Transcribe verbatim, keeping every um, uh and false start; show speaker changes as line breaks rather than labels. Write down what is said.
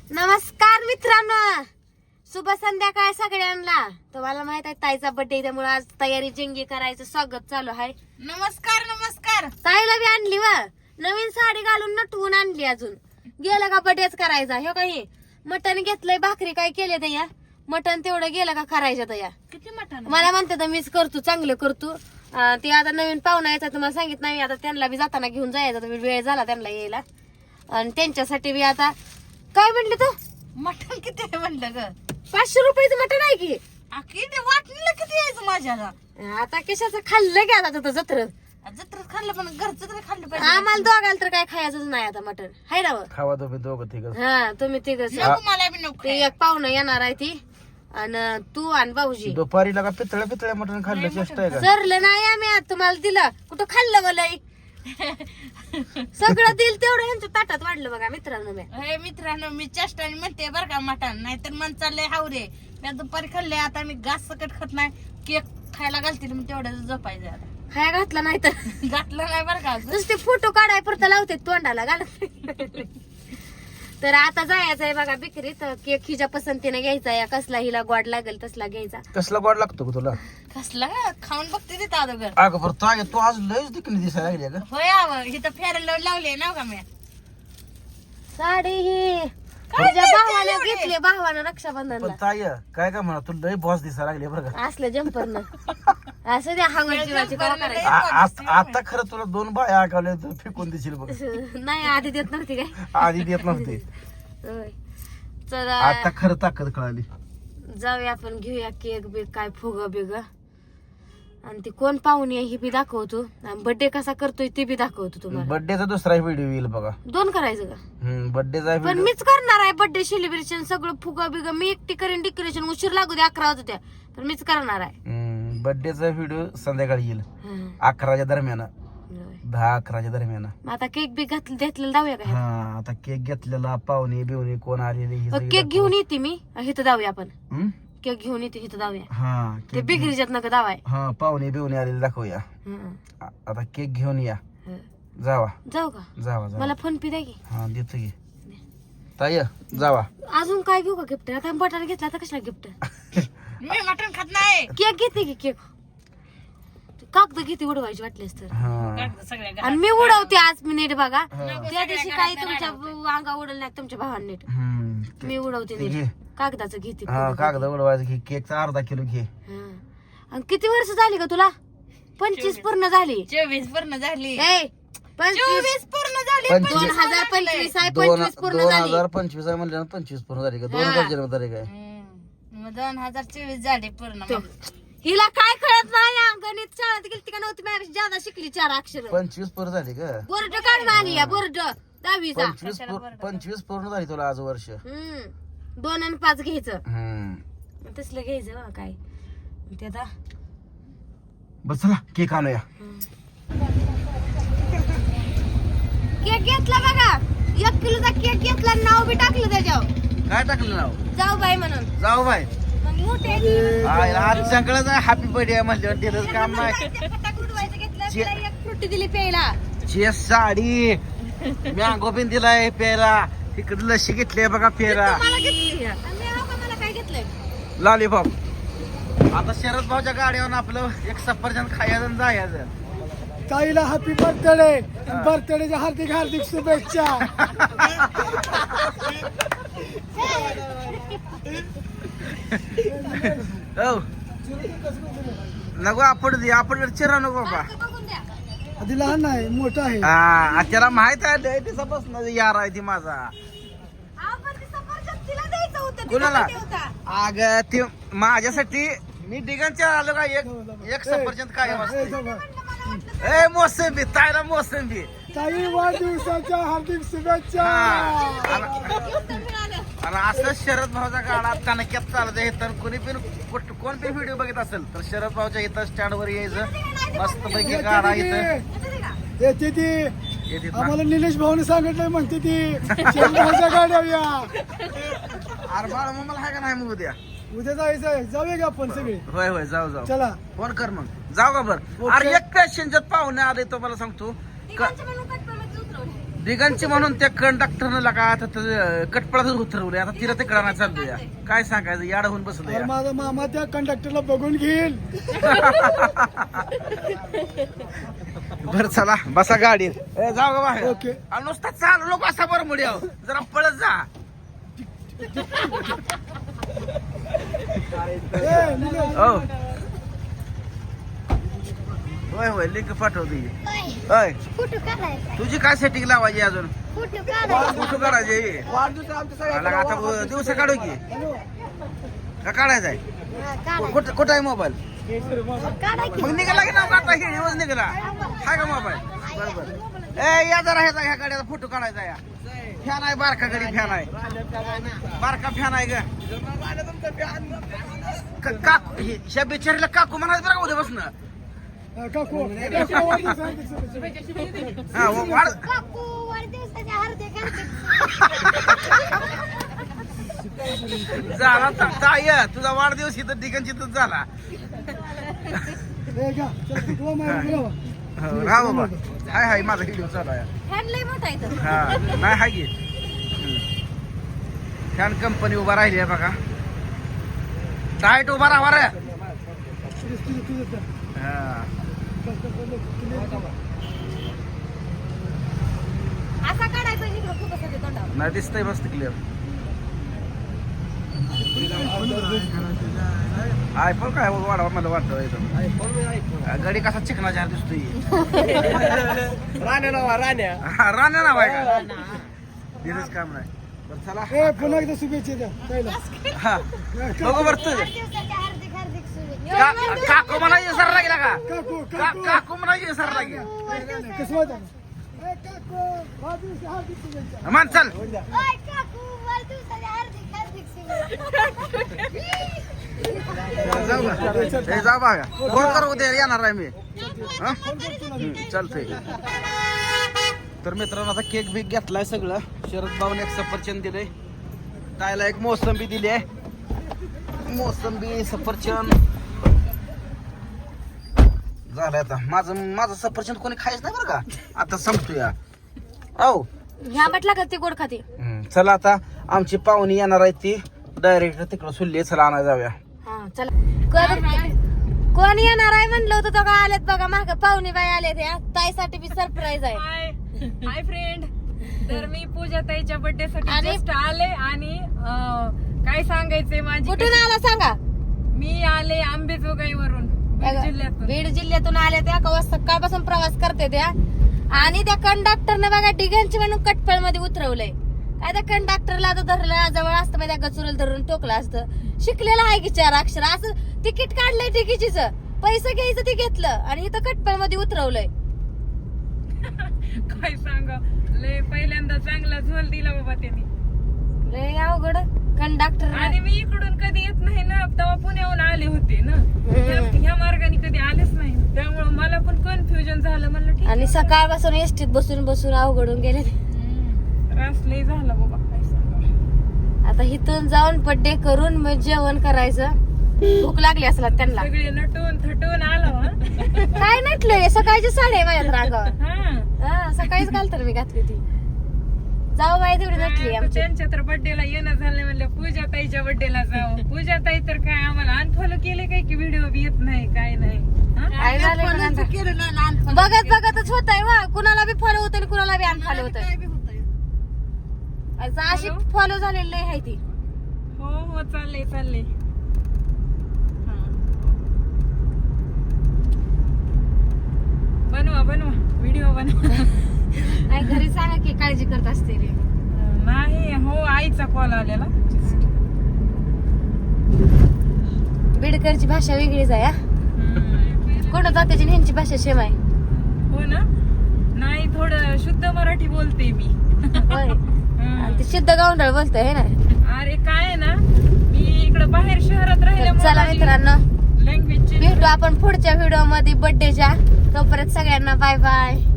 नमस्कार मित्रांनो, शुभ संध्याकाळ सगळ्यांना. तुम्हाला माहित आहे ताईचा बर्थडे, त्यामुळे आज तयारी जंगी करायचं स्वागत चालू आहे.
नमस्कार नमस्कार.
ताईला बी आणली व नवीन साडी घालून नटवून आणली. अजून गेलं का बर्थडेच करायचा. हे काही मटण घेतलंय, भाकरी काय केले तया, मटण तेवढं गेलं का करायचं तया.
किती मटण
मला म्हणते तर मीच करतो, चांगलं करतो. ते आता नवीन पाहुणा यायचा तुम्हाला सांगितलं नाही. आता त्यांना बी जाताना घेऊन जायचं, वेळ झाला त्यांना यायला. आणि त्यांच्यासाठी बी आता काय म्हणले तू,
मटण किती आहे म्हणलं ग?
पाचशे रुपयाचं मटण आहे की.
किती वाटलं किती यायचं माझ्याला.
आता कशाचं खाल्लं की आता तिथं जत्र
जत्र खाल्लं पण घरचं तरी खाल्लं पाहिजे.
आम्हाला दोघाला तर काय खायचंच नाही आता मटण. हाय ना
खावा तुम्ही दोघं तिघ.
हा तुम्ही तिघच.
नको मला बी नको.
ते एक पाहुणं येणार आहे ती, आणि तू आणि भाऊजी.
दुपारी लगा पितळ्या पितळ्या मटण खाल्लं चेष्टा आहे का?
सरलं नाही आम्ही आज तुम्हाला दिलं, कुठं खाल्लं मला सगळं दिल तेवढं ह्यांच्या ताटात वाढलं बघा मित्रांनो. मी
हे मित्रांनो, मी चेष्टाने म्हणते बरं का मटण, नाहीतर मन चाललंय हावरे. मी दुपारी खाल्ले, आता मी घास सकट खात नाही. केक खायला घालतील मी तेवढं झोपायचं. आता
खाया घातला नाही तर
घातलं नाही बरं का.
नुसते फोटो काढाय परत लावते तोंडाला घालत. तर आता जायचं आहे बघा बिक्रीत. केक हिच्या पसंतीने घ्यायचा या, कसला हिला गोड लागेल तसला घ्यायचा.
कसला गोड लागतो का तुला?
कसला खाऊन बघते तिथं अगोदर.
अगं बरं ताई, तू आज लयच दिकणी दिसायला लागली का?
होय आव, इथं फेरायला लावले ना का मी.
साडी ही तुझ्या भावाने घेतली, भावानं रक्षाबंधनला.
पण ताई काय का म्हणा, तू लय बॉस दिसायला लागली बरं का?
असलं जम्पर न असं द्या हांगण जीवाची काय करायचं.
आ- आ- आता खरं तुला दोन बाया आकावल्या तर फेकून देशील बघ.
नाही आधी देत नव्हती काय.
आधी देत नव्हते,
होय. तर
आता खरं ताकद कळाली.
जाऊया आपण, घेऊया केक बिक काय फुग बिग, आणि ती कोण पाहुणी आहे ही बी दाखवतो, बर्थडे कसा करतोय ते बी दाखवतो तुम्हाला.
बर्थडेचा दुसरा व्हिडिओ येईल बघा.
दोन करायचं का?
हम्म बर्थडेचा
पण
व्हिडिओ.
मीच करणार आहे बर्थडे सेलिब्रेशन सगळं फुगा बिग मी एकटी करेन. डेकोरेशन उशीर लागू दे, अकरा वाजू द्या, पण मीच करणार आहे.
बर्थडेचा व्हिडिओ संध्याकाळी येईल
हं.
अकराच्या दरम्यान,
होय.
दहा अकराच्या दरम्यान.
मग आता केक बी घातलं घेतलेलं जाऊया का?
हा आता केक घेतलेला, पाहुणे बिवणे कोण आलेले हे सगळे
केक घेऊन येते मी, इथं जाऊया आपण.
हम्म?
केक घेऊन येते इथं जाऊया.
हा
ते
केक
बिगरीच्यात नका दावाय.
हा पाहुणे बिवणे आलेले दाखवूया.
हं.
आ- आता केक घेऊन या,
हं.
जावा
जाऊ का?
जावा जावा.
मला फोन पे द्या की.
हा देतो की ताई, जावा.
अजून काय घेऊ का गिफ्ट? आता बटाटा घेतला तर कसला गिफ्ट?
मी मटण खात नाही.
केक घेते की केक. कागद घेते उडवायची वाटलेस तर.
हा
सगळ्या
आणि मी उडवते आज, मी नीट बघा.
हा.
त्या दिवशी काही तुमच्या अंगा उडल नाही तुमच्या भावाने नीट.
हम्म.
मी उडवते
ते घे.
नीट. कागदाचं घेते.
हा कागद उडवायचं घे, केकचा अर्धा किलो घे.
हं. आणि किती वर्ष झाली का तुला? पंचवीस पूर्ण झाली.
चोवीस पूर्ण झाली.
ए पंचवीस
चोवीस पूर्ण झाली.
पंचवीस.
दोन हजार पंचवीस आहे.
दोन
पंचवीस पूर्ण
दोन
झाली.
हजार पंचवीस आहे म्हणलं पंचवीस पूर्ण झाली का? दोन
हा.
हजार जन्मतारीख आहे.
हम्म. मग दोन हजार चोवीस झाली पूर्ण.
तो. हिला काय कळत नाही. गणित शाळेत गेली का नव्हती, माझ्यापेक्षा जादा शिकली चार अक्षर.
पंचवीस पूर्ण झाली का?
बोर्ड काढून आली या बोर्ड दहावीचा.
पंचवीस पूर- पंचवीस पूर्ण झाली तुला आज वर्ष.
हम्म. दोन आणि पाच घ्यायचं,
हम्म
तसलं घ्यायचं बा काय ते आता.
बस चला केक आणूया.
केक घेतला बघा, एक किलोचा केक घेतला, नाव बी टाकलं त्याच्यावर,
काय टाकलं नाव?
जाऊ बाई म्हणून.
जाऊ बाय.
मग मोठे
आय, आज सगळं हॅपी बर्थडे म्हणल्यावर दिलं काम नाही.
फटाक उडवायचं घेतलं, तिला एक फ्रुटी दिली प्यायला.
चे साडी मँगो पिन दिलाय प्यायला, तिकडे लशी घेतली बघा प्यायला,
मला घेतली. आणि मी अहो का मला काय घेतलंय?
लॉलीपॉप. आता शरद भाऊच्या गाडीवर आपलं एक सफरचंद खायचं आणि जायचं.
ताईला हॅपी बर्थडे, बर्थडेच्या हार्दिक हार्दिक शुभेच्छा.
हो नको आपण दे, आपण चिरा नको बाबा.
बघून द्या.
आधी लहान आहे, मोठा आहे.
हा त्याला माहित आहे लय दिवसापासून यार आहे ती माझा.
अहो, पण ते सफरचंद तिला द्यायचं होतं, तिला
कुणाला?
किती होता?
अग ते माझ्यासाठी मी डिगांच्या आलो का एक एक सफरचंद काय
ए,
असते.
जाऊ बा.
ए मोसंबी, ताईला मोसंबी.
ताई वाढदिवसाच्या हार्दिक शुभेच्छा.
हा.
गिफ्ट मिळालं.
आणि असं शरद भाऊच्या गाडा कनक्यात चालत आहे. तर कोणी पण कुठ- कोण पण व्हिडिओ बघत असेल तर शरद भाऊच्या इथं स्टँड वर यायचं, मस्त पैकी गाडा इथं
येते ती.
येते ना.
आम्हाला निलेश भाऊने सांगितलंय, म्हणते ती शंभरच्या गाड्या या.
अरे बाळ मग मला हाय का नाही मग उद्या?
उद्या जायचंय, जाऊया का आपण सगळे?
होय होय जाऊ जाऊ.
चला.
फोन कर मग, जाऊ का बरं. अरे एक पॅसेंजर पाहुणे आले तो मला सांगतो.
तिघांच्या पण उकट पण उतरवले.
दिगंची म्हणून त्या कंडक्टरनं लगा आता कटपळातच उतरवले. आता तिला तिकडा नाही चाललोय. काय सांगायचं, याड होऊन बसलं
अरे माझा मामा त्या कंडक्टरला बघून घेईल.
बरं चला बसा गाडीत. ए, जाऊ ग बाहेर.
ओके.
आणि नुसता चालू नको असा बरं मुड्याव, जरा पळत जा.
ए, निघा.
हो होय होय लिंक पाठवते. होय
फोटो काढायचा
तुझी काय सेटिंग लावायची अजून?
फोटो काढायचा
फोटो काढायचे.
वाढदिवस आमच्या सगळ्या
मला आता दिवसा काढू की का काढायचा आहे? कुठं कुठं आहे मोबाईल? मग निघाला की नाव काढता हे दिवस निघाला हाय का मोबाईल? बरोबर. ए या जरा ह्याचा ह्या गाड्याचा फोटो काढायचा या. फॅन आहे बारका गडी फॅन आहे. बारका फॅन आहे ग. क- काकू हे- ह्या बिचारीला काकू म्हणायचं बरं का उद्यापासून.
काकू काकू वाढदिवस हार्दिक शुभेच्छा.
हा व- वाढ
काकू वाढदिवसाच्या हार्दिक
झाला ता- ताय तुझा वाढदिवस इथं ठिकाणचितच झाला.
ए, घ्या. चल, तुला माहिती आहे ना?
हो, राहा बाबा. हाय हाय माझा व्हिडिओ चालू आहे.
फॅन लय मोठा इथं.
हा नाही हाय की फॅन कंपनी उभा राहिली आहे बघा. टाईट उभा राहा रे.
तुझं- तुझं- तुझं द्या.
हा.
चल, चल, चल, चल.
असा काढायचा इकडं खूप असं तोंडावर.
नाही दिसतंय मस्त क्लिअर. आयफोन काय वाढवा मला वाटतं. गाडी कसा चिकना जार दिसतोय.
राण्या नावा राण्या.
हा, राण्या नाव आहे का? दिलंच काम नाही. बरं चला.
ए, पुन्हा एकदा शुभेच्छा द्या पहिला.
हा बघू बरं तुझं
वाढदिवसाच्या हार्दिक हार्दिक शुभेच्छा.
का- काकू मला विसरला गेला का?
काकू
का-
काकू
काकू मला विसरला गेला.
कसं माहिती आहे? ए, काकू वाढदिवस हार्दिक शुभेच्छा.
मान चल.
ओय काकू वाढदिवसाच्या हार्दिक हार्दिक शुभेच्छा.
जाऊ का? ए, जाऊ बघा. फोन कर उद्या येणार आहे मी. हा? हम्म, चालतंय. तर मित्रांनो आता केक बिक घेतलाय सगळं. शरद भाऊने एक सफरचंद दिलंय. तायला एक मोसंबी दिली आहे. मोसंबी सफरचंद झालंय. आता माझं माझं सफरचंद कोणी खायच नाही बरं का. आता संपतोय. औ
ह्या म्हटला का ती गोड खाते.
हम्म, चला आता आमची पाहुणी येणार आहे ती डायरेक्ट तिकडं सुल्ली. चला आणायला जाऊया.
हा चला. कोण- कोण येणार आहे म्हणलं होतं तो का आलेत बघा माग पाहुणे बाई आले ते ताईसाठी बी सरप्राईज आहे.
Hi hi friend. तर मी पूजा ताईच्या बर्थडे साठी
आणि-
जस्ट आले आणि अं, काय सांगायचंय माझी
कुठून आला सांगा.
मी आले आंबेजोगाईवरून बीड जिल्ह्यातून.
बीड जिल्ह्यातून आले त्या कवा सकाळपासून प्रवास करते त्या. आणि त्या कंडक्टरने बघा डिगांची म्हणून कटपळ मध्ये उतरवलंय. काय त्या कंडक्टरला तर धरलं जवळ असतं माहिती गचुरल धरून टोकलं असतं. शिकलेलं आहे की चार अक्षर. असं तिकीट काढलंय तिकीटच पैसे घ्यायचं ते घेतलं आणि इथं कटपळ मध्ये उतरवलंय.
काय सांगा लय पहिल्यांदा चांगला झोल दिला बाबा त्यांनी.
लय अवघड कंडक्टर.
आणि मी इकडून कधी येत नाही ना, तेव्हा पुण्याहून आले होते ना. ह्या- ह्या मार्गाने कधी आलेच नाही, त्यामुळे मला पण कन्फ्युजन झालं. म्हणलं ठीक
आणि सकाळपासून एसटीत बसून बसून अवघडून गेले.
त्रास लय झाला बाबा काय सांगा.
आता इथून जाऊन बर्थडे करून मग जेवण करायचं. भूक लागली असला त्यांना.
सगळे नटून थटून आलो हा.
काय नटलंय सकाळची साडी आहे माझ्या रांगावर.
हा.
हा सकाळीच घालतर मी घातली ती. जाऊ बाई तेवढी नटली
आता
आमची.
त्यांच्या तर बर्थडेला येणं झालं म्हणलं पूजा ताईच्या बर्थडेला जाऊ. पूजा ताई तर काय आम्हाला अनफॉलो केले काय की व्हिडिओ बी येत नाही काय नाही हा?
काय झालंय
follow
कोणाला?
केलं ना लहानपणी.
बघत बघतच होत आहे वा. कुणाला बी फॉलो होत आणि कुणाला बी अनफॉलो होत
काय बी होतंय.
अशी फॉलो झालेली आहे ती.
हो हो चाललंय चाललंय. बनवा बनवा व्हिडिओ बनवा.
आई घरी सांगा की काळजी करत असते रे.
नाही हो आईचा कॉल आलेला.
बीडकरची भाषा वेगळीच आहे. हा.
हम्म.
कोण जात्याची आणि ह्यांची भाषा सेम आहे.
हो ना. नाही थोडं शुद्ध मराठी बोलते मी.
होय.
हम्म.
आणि ते शुद्ध गावंढळ बोलतोय हे ना.
अरे काय आहे ना मी इकडं बाहेर शहरात
चला मित्रांनो
लँग्वेज
भेटू आपण पुढच्या व्हिडिओ मध्ये बर्थडेच्या. तोपर्यंत सगळ्यांना बाय बाय.